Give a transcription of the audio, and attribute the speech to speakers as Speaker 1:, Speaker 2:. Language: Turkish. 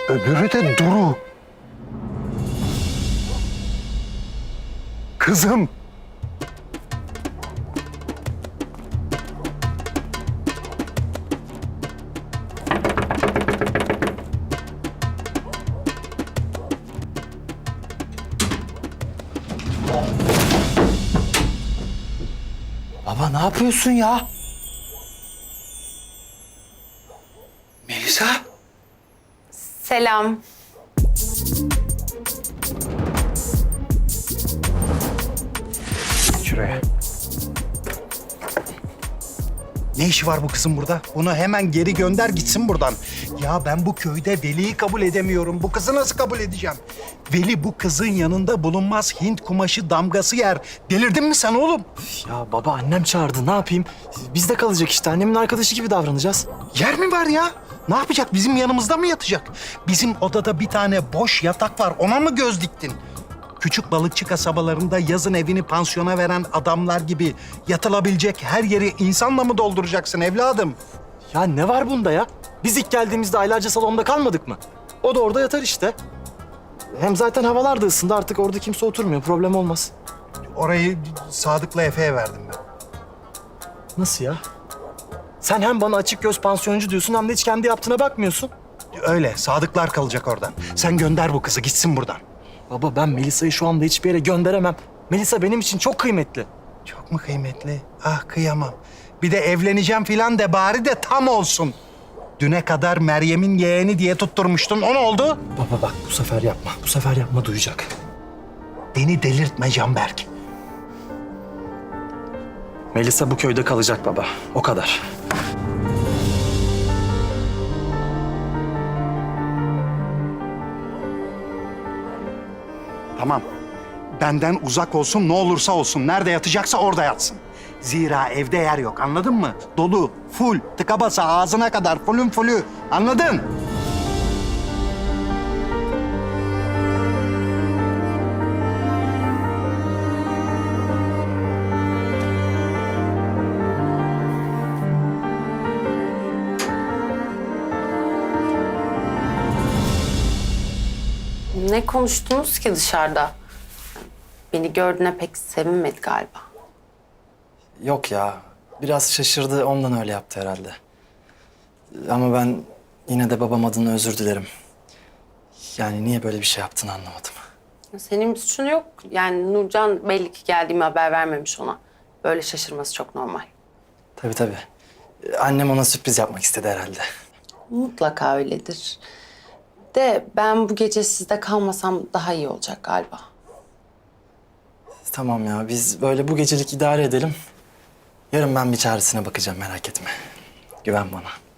Speaker 1: Öbürü de Duru. Kızım.
Speaker 2: Baba ne yapıyorsun ya? Melisa?
Speaker 3: Selam.
Speaker 1: Şuraya. Ne işi var bu kızın burada? Bunu hemen geri gönder gitsin buradan. Ya ben bu köyde Veli'yi kabul edemiyorum. Bu kızı nasıl kabul edeceğim? Veli bu kızın yanında bulunmaz, Hint kumaşı damgası yer. Delirdin mi sen oğlum?
Speaker 2: Ya baba annem çağırdı ne yapayım? Biz de kalacak işte annemin arkadaşı gibi davranacağız.
Speaker 1: Yer mi var ya? Ne yapacak? Bizim yanımızda mı yatacak? Bizim odada bir tane boş yatak var. Ona mı göz diktin? Küçük balıkçı kasabalarında yazın evini pansiyona veren adamlar gibi yatılabilecek her yeri insanla mı dolduracaksın evladım?
Speaker 2: Ya ne var bunda ya? Biz ilk geldiğimizde aylarca salonda kalmadık mı? O da orada yatar işte. Hem zaten havalar da ısındı artık orada kimse oturmuyor problem olmaz.
Speaker 1: Orayı Sadık'la Efe'ye verdim ben.
Speaker 2: Nasıl ya? Sen hem bana açık göz pansiyoncu diyorsun hem de hiç kendi yaptığına bakmıyorsun.
Speaker 1: Öyle, Sadıklar kalacak oradan. Sen gönder bu kızı, gitsin buradan.
Speaker 2: Baba ben Melisa'yı şu anda hiçbir yere gönderemem. Melisa benim için çok kıymetli.
Speaker 1: Çok mu kıymetli? Ah kıyamam. Bir de evleneceğim filan de bari de tam olsun. Düne kadar Meryem'in yeğeni diye tutturmuştun, o ne oldu?
Speaker 2: Baba bak bu sefer yapma. Bu sefer yapma duyacak.
Speaker 1: Beni delirtme Canberk.
Speaker 2: Melisa bu köyde kalacak baba. O kadar.
Speaker 1: Tamam. Benden uzak olsun, ne olursa olsun. Nerede yatacaksa orada yatsın. Zira evde yer yok, anladın mı? Dolu, full, tıka basa, ağzına kadar, fullün fullü. Anladın?
Speaker 3: Ne konuştunuz ki dışarıda? Beni gördüğüne pek sevinmedi galiba.
Speaker 2: Yok ya. Biraz şaşırdı ondan öyle yaptı herhalde. Ama ben yine de babam adına özür dilerim. Yani niye böyle bir şey yaptığını anlamadım.
Speaker 3: Senin bir suçun yok. Yani Nurcan belli ki geldiğimi haber vermemiş ona. Böyle şaşırması çok normal.
Speaker 2: Tabii tabii. Annem ona sürpriz yapmak istedi herhalde.
Speaker 3: Mutlaka öyledir. De ben bu gece sizde kalmasam daha iyi olacak galiba.
Speaker 2: Tamam ya biz böyle bu gecelik idare edelim. Yarın ben bir çaresine bakacağım merak etme. Güven bana.